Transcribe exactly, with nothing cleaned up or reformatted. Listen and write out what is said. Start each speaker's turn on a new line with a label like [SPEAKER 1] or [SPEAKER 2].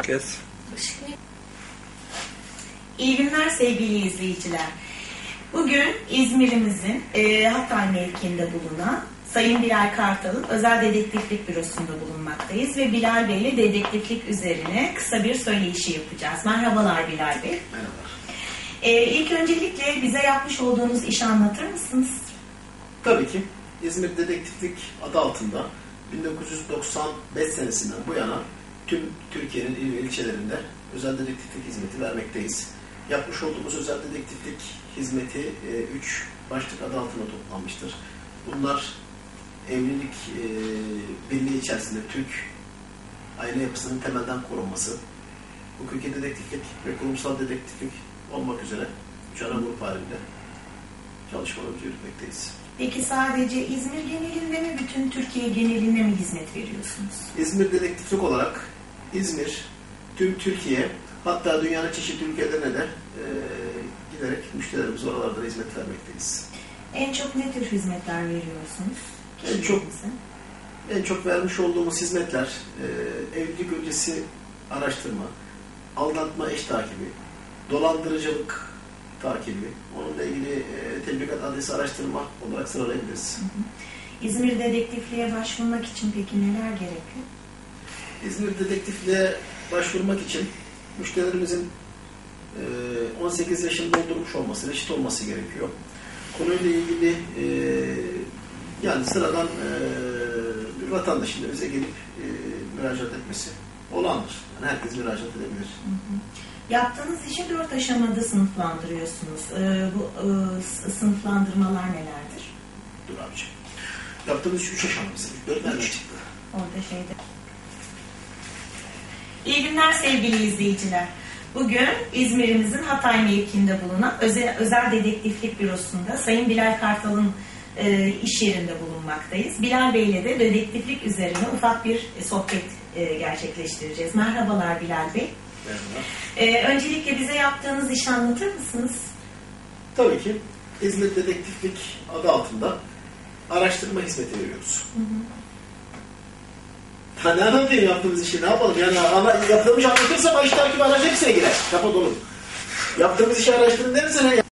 [SPEAKER 1] Kes.
[SPEAKER 2] İyi günler sevgili izleyiciler. Bugün İzmir'imizin e, Hatay mevkiinde bulunan Sayın Bilal Kartal'ın özel dedektiflik bürosunda bulunmaktayız ve Bilal Bey ile dedektiflik üzerine kısa bir söyleşi yapacağız. Merhabalar Bilal Bey.
[SPEAKER 3] Merhabalar.
[SPEAKER 2] E, ilk öncelikle bize yapmış olduğunuz işi anlatır mısınız?
[SPEAKER 3] Tabii ki. İzmir Dedektiflik adı altında bin dokuz yüz doksan beş senesinden bu yana tüm Türkiye'nin il ve ilçelerinde özel dedektiflik hizmeti vermekteyiz. Yapmış olduğumuz özel dedektiflik hizmeti üç başlık adı altında toplanmıştır. Bunlar evlilik e, birliği içerisinde Türk aile yapısının temelden korunması, hukuki dedektiflik ve kurumsal dedektiflik olmak üzere üç ana grup halinde çalışmalarımızı yürütmekteyiz.
[SPEAKER 2] Peki sadece İzmir genelinde mi, bütün Türkiye genelinde mi hizmet veriyorsunuz?
[SPEAKER 3] İzmir Dedektiflik olarak İzmir, tüm Türkiye, hatta dünyanın çeşitli ülkelerine de e, giderek müşterilerimize oralarda hizmet vermekteyiz.
[SPEAKER 2] En çok ne tür hizmetler veriyorsunuz?
[SPEAKER 3] En çok, en çok vermiş olduğumuz hizmetler e, evlilik öncesi araştırma, aldatma eş takibi, dolandırıcılık takibi, onunla ilgili e, tebligat adresi araştırma olarak sıralayabiliriz.
[SPEAKER 2] Hı hı. İzmir Dedektifliğe başvurmak için peki neler gerekli?
[SPEAKER 3] İzmir Dedektifliğe başvurmak için müşterilerimizin e, on sekiz yaşını doldurmuş olması, reşit olması gerekiyor. Konuyla ilgili e, yani sıradan e, bir vatandaşın da bize gelip e, müracaat etmesi olağandır. Yani herkes müracaat edebilir.
[SPEAKER 2] Hı hı. Yaptığınız işi dört aşamada sınıflandırıyorsunuz. Ee, bu e, sınıflandırmalar nelerdir?
[SPEAKER 3] Dur abiciğim. Yaptığımız iş üç aşamamız. Dört nereden çıktı?
[SPEAKER 2] Orada şeyde. İyi günler sevgili izleyiciler. Bugün İzmir'imizin Hatay mevkiinde bulunan özel, özel dedektiflik bürosunda Sayın Bilal Kartal'ın e, iş yerinde bulunmaktayız. Bilal Bey ile de dedektiflik üzerine ufak bir e, sohbet e, gerçekleştireceğiz. Merhabalar Bilal Bey.
[SPEAKER 3] Merhaba.
[SPEAKER 2] Ee, öncelikle bize yaptığınız işi anlatır mısınız?
[SPEAKER 3] Tabii ki. İzmir Dedektiflik adı altında araştırma hizmeti veriyoruz.
[SPEAKER 2] Hı hı.
[SPEAKER 3] Ha, ne anlatayım yaptığımız işi? Ne yapalım? Yani ama yaptığımız işi anlatırsam iş takibi araç hepsine girer. Kapat oğlum. Yaptığımız işi araştırın derse